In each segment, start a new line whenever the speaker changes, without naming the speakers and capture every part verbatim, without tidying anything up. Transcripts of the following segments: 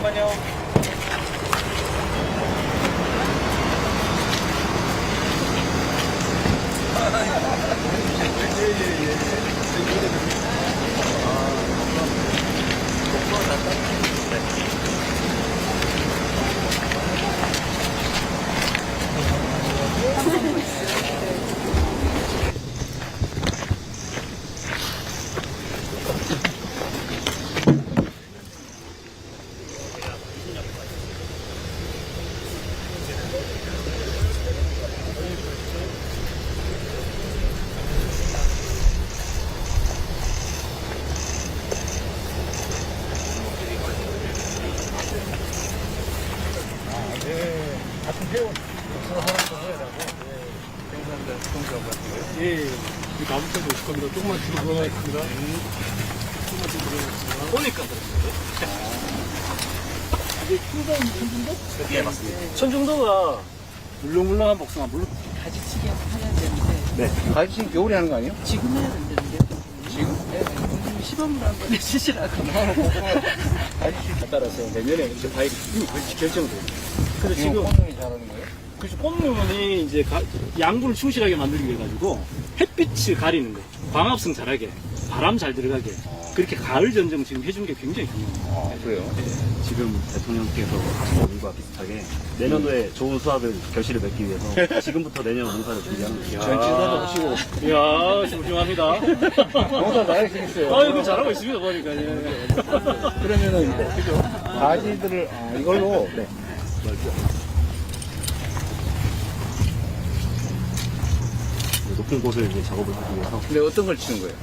잠깐만요.
예, 나부터 오실 겁니다. 조금만 뒤로 돌아가겠습니다. 조금만 뒤로 돌아가겠습니다.
보니까
이게 킹덤 천중도?
예, 맞습니다.
천중도가 물렁물렁한 복숭아, 물론
가지치기 해야 되는데
네. 가지치기 겨울에 하는 거 아니에요?
지금 해야 된다는데
지금?
네, 좀 시범으로 한번 해주시라고.
가지치기 따라서 내년에 이제 과일이 결정돼요. 그래서 지금
꽃눈이 잘하는 거예요?
그래서 꽃눈이 이제 가- 양분을 충실하게 만들기 위해 가지고 햇빛을 가리는 거, 광합성 잘하게, 바람 잘 들어가게 그렇게 가을 전쟁 지금 해준 게 굉장히 중요합니다.
아, 그래요?
지금 대통령께서 하신 일과 비슷하게 내년도에 좋은 수확을 결실을 맺기 위해서 지금부터 내년 농사를 준비하는 거예요.
전진사도 하시고.
이야, 훌륭합니다.
농사 잘하시겠어요.
아, 이거 잘하고 있습니다, 보니까. 예.
그러면은, 그죠? 가지들을, 아, 이걸로. 네.
높은 곳을 이제 작업을 하기 위해서
근데 어떤 걸 치는 거예요?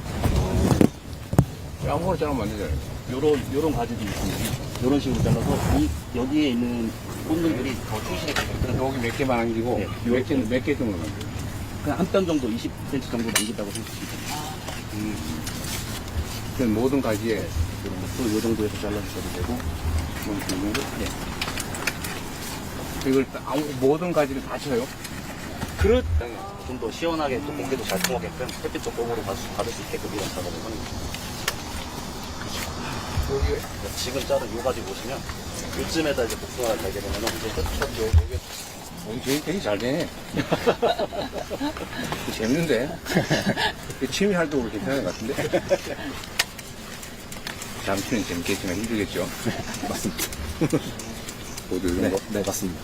아무거나 자르면 안 되잖아요.
요런 요런 가지도 있습니다. 요런 식으로 잘라서 이 여기에 있는 꽃들이 더 충실하게
여기 몇 개만 남기고,
네.
몇 개, 몇 개 정도 남겨요?
그냥 한 뼘 정도 이십 센티미터 정도 남긴다고 생각하시면 됩니다.
그 모든 가지에
이런 것도 요 정도에서 잘라주셔도 되고
뭐, 이 정도?
네.
이걸 다- 아무- 모든 가지를 다 쳐요?
그렇,
좀 더 시원하게 또 공기도 잘 통하게끔 햇빛도 공으로 받을 수, 받을 수 있게끔 이런 작업을 하는 거예요.
여기,
지금 자른 요 가지 보시면 요쯤에다 이제 복숭아를 달게 되면 이제 끝.
여기 되게, 되게 잘 되네. 재밌는데? 취미 활동으로 괜찮은 것 같은데? 잠시는 재밌겠지만 힘들겠죠?
맞습니다.
모두 이런
네,
거.
네 맞습니다.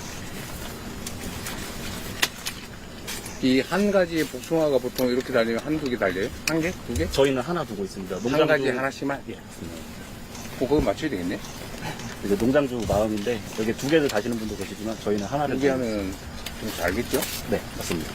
이 한 가지의 복숭아가 보통 이렇게 달리면 한두 개 달려요? 한 개? 두 개?
저희는 하나 두고 있습니다.
한 가지 하나씩만?
예, 맞습니다.
어, 그거 맞춰야 되겠네?
이제 농장주 마음인데 여기 두 개를 다시는 분도 계시지만 저희는 하나를
두 개
두고
하면 좀 잘겠죠?
있습니다. 네, 맞습니다.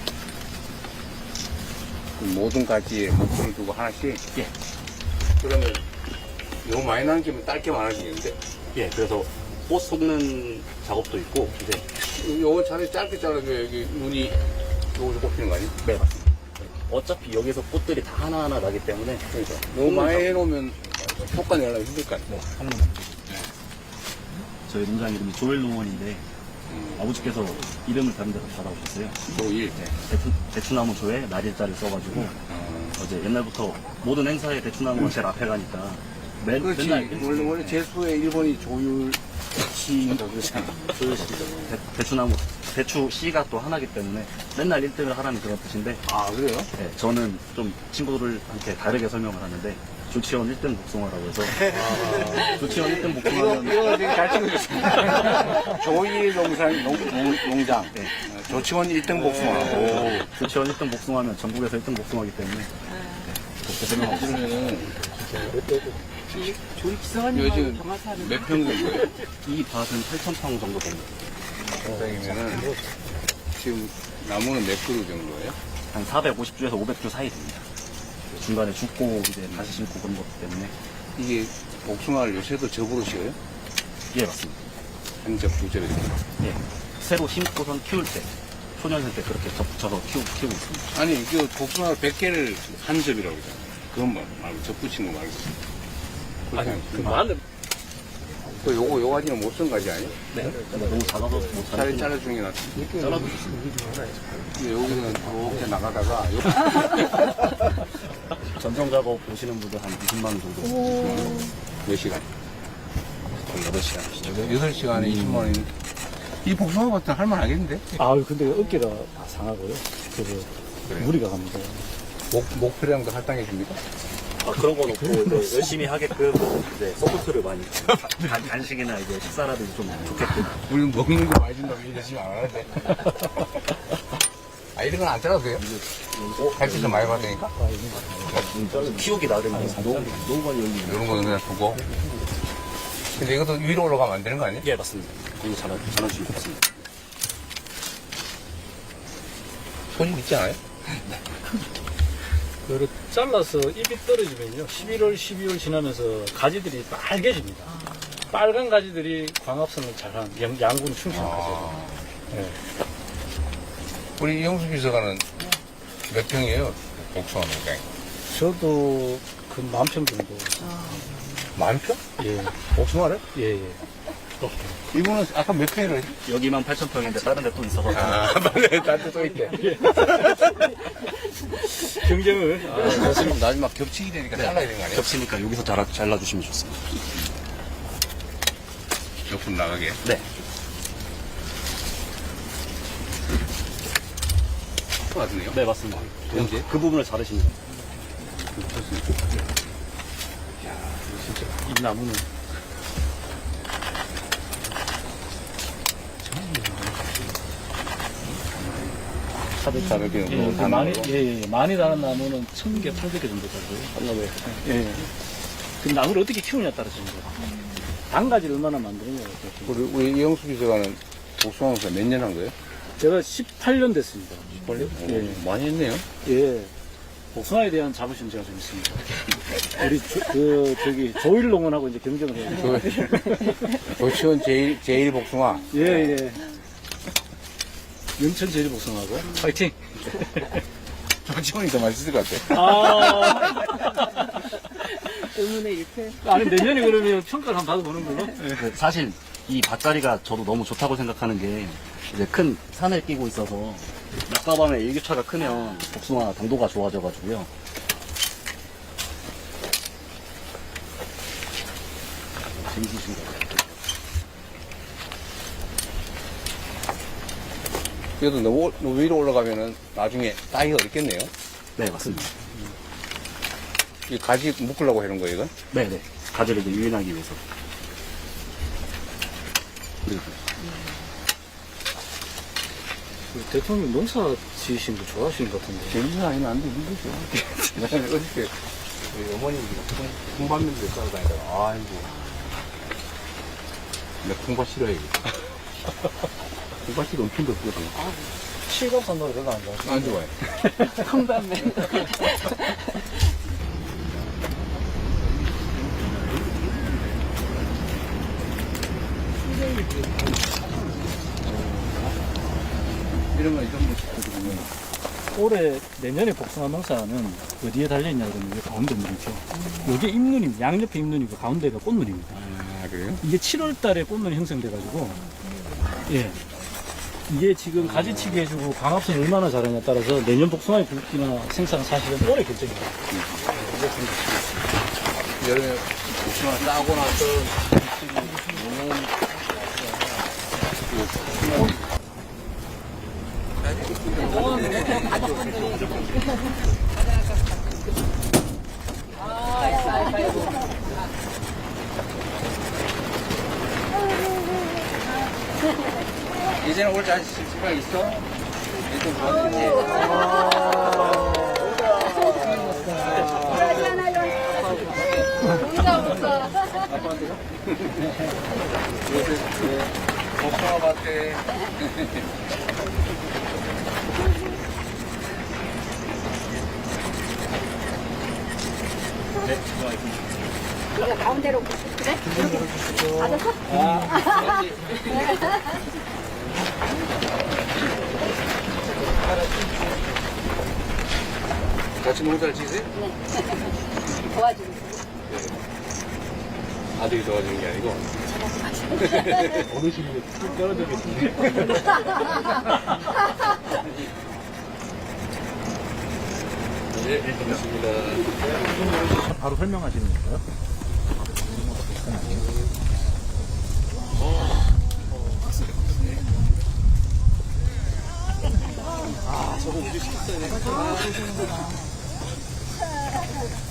그럼 모든 가지에 목표를 두고 하나씩?
예.
그러면 너무 많이 남기면 딸게 많아지겠는데?
예, 그래서 꽃 속는 작업도 있고 이제
요거 차라리 짧게 잘라줘야 여기 눈이 요거서 꼽히는 거 아니에요?
네, 맞습니다. 어차피 여기서 꽃들이 다 하나하나 나기 때문에
그러니까. 너무 많이 해놓으면 효과 내려면 힘들 거 아니에요?
네, 하나만 남겨주세요. 저희 농장 이름이 조엘 농원인데 아버지께서 이름을 다른 데서 받아오셨어요.
조일.
네, 대추, 대추나무 조에 날일자를 써가지고
어.
어제 옛날부터 모든 행사에 대추나무가 제일 앞에 가니까 매,
그렇지.
맨날
원래, 원래 제수의 일본이 조율 씨, 그러잖아.
조율시죠. 대, 대추나무 대추 씨가 또 하나기 때문에 맨날 일 등을 하라는 그런 뜻인데
아, 그래요?
네, 저는 좀 친구들한테 다르게 설명을 하는데 조치원 일 등 복숭아라고 해서 조치원 일 등
이거,
복숭아는
이거 되게 잘 찍어줬습니다. 조일 농산, 농, 농, 농장.
네.
어, 조치원 일 등 복숭아. 오.
조치원 일 등 복숭아면 전국에서 일 등 복숭아이기 때문에 그렇게 설명하고 있습니다.
그러면은,
조리
이거
기사관님하고
지금
경화사는
몇 평 정도예요?
이 밭은 팔천 평 정도 됩니다.
평이면은, 지금 나무는 몇 그루 정도예요?
한 사백오십 주에서 오백 주 사이 됩니다. 중간에 죽고 이제 다시 심고 그런 것 때문에
이게 복숭아를 요새도 접으로 씌워요?
예 맞습니다.
한 접, 두 접에.
예 새로 심고선 키울 때 초년생 때 그렇게 접 붙여서 키우, 키우고 있습니다.
아니, 그 복숭아 백 개를 한 접이라고 그러잖아요. 그건 뭐 말고, 접 붙인 거 말고.
아니, 그 마늘.
그 요거, 요 가지는 못 쓴 가지 아니에요?
네. 근데 너무 작아서 못
차라리
자르는
잘라주는 게 낫지.
잘라주시면
근데 여기는 이렇게 나가다가, 요-
전정 작업 보시는 분들 한 이십만 원 정도.
몇 시간?
거의 여덟 시간.
여덟 시간에 이십만 원이면 이 복숭아 밭은 할만하겠는데?
아유, 근데 어깨가 다 상하고요. 그래서
그래요?
무리가 갑니다.
목, 목표량도 할당해 줍니까?
아, 그런 건 없고, 이제 열심히 하게끔, 이제, 서포트를 많이. 간, 간식이나 이제 식사라든지 좀 좋게끔.
우리는 먹는 거 많이 준다고 열심히 안 하는데. 아, 이런 건 안 잘라도 돼요? 햇빛 좀 많이 받으니까?
키우기 나름이에요. 너무, 너무 많이 열리네.
이런 거는 그냥 두고. 근데 이것도 위로 올라가면 안 되는 거 아니에요?
예, 맞습니다. 이거 잘하, 잘하시면 좋습니다.
손이 있지 않아요?
그걸 잘라서 잎이 떨어지면요. 십일월, 십이월 지나면서 가지들이 빨개집니다. 빨간 가지들이 광합성을 잘한 양- 양분 충실한 가지예요. 예.
우리 이영수 비서관은 몇 평이에요? 복숭아 농장이.
저도 그 만 평 정도.
만 평?
예,
복숭아를?
예, 예.
이분은 아까 몇 평이라 했지?
여기만 팔천 평인데 다른 데 또 있어서.
아, 맞네. 나한테 또 있대.
경쟁을.
아, 지금 나중에 막 겹치게 되니까 잘라야 되는 거 아니에요?
겹치니까 여기서 잘라, 잘라주시면 좋습니다.
옆으로 나가게.
네.
맞네요.
네, 맞습니다.
언제?
그 부분을 자르시면 돼요.
이 나무는
사백사백 개
예,
정도
그
다는
많이,
거.
예, 예, 많이 다른 나무는 천 개, 팔백 개 정도 되고요.
한나무에.
예. 그 나무를 어떻게 키우냐에 따라서 이제 단가지를 얼마나 만드느냐에 따라서.
우리, 우리 이영수 비서관은 복숭아 농사 몇 년 한 거예요?
제가 십팔 년 됐습니다.
빨리?
예.
많이 했네요.
예. 복숭아에 대한 자부심 제가 좀 있습니다. 우리 조, 그 저기 조일 농원하고 이제 경쟁을 해요.
조치원 제일, 제일 복숭아.
예, 예. 영천 제일 복숭아하고 파이팅.
조치원이 더 맛있을 것 같아.
아.
의문의 일패.
아니 내년에 그러면 평가를 한번 받아보는 걸로.
그 사실 이 밭자리가 저도 너무 좋다고 생각하는 게 이제 큰 산을 끼고 있어서 낮과 밤의 일교차가 크면 복숭아 당도가 좋아져가지고요. 재밌으신 것 같아요.
그래도 너무, 너무 위로 올라가면은 나중에 따기가 어렵겠네요.
네, 맞습니다.
이 가지 묶으려고 하는 거예요, 이건?
네네. 가지를 이제 유인하기 위해서. 그리고
그 대통령 농사 지으신 거 좋아하시는 것 같은데.
재밌는 아니면 안 돼, 힘들죠. 나는 어저께 우리 어머니 콩밭면들 따라다니다가, 아이고. 나 콩밭 싫어해. 콩밭이 엄청 덥거든.
실감산노래 별로 안 좋아하시죠?
안 좋아해.
콩밤맨.
이런 거 이런 거 시켜주면
올해 내년에 복숭아 농사는 어디에 달려있냐 그러면 이 가운데 눈이죠. 이게 잎눈입니다. 양옆에 잎눈이고 가운데가 꽃눈입니다.
아, 그래요?
이게 칠월 달에 꽃눈이 형성돼가지고, 예. 이게 지금 가지치기 해주고 광합성 얼마나 잘하냐에 따라서 내년 복숭아의 굵기나 생산 사실은 올해 결정입니다.
여름에 복숭아 따고 나서 이제는 올 자신 수가 있어? 이제 뭐든지. 요새 복숭아 밭에
이거 가운데로 그래? 맞았어?
같이 농사를 지세요?
네. 도와주고 있어요.
아들이 도와주는 게 아니고 어르신이 툭 떨어지겠지. 네, 고맙습니다.
바로 설명하시는 건가요?
식사네.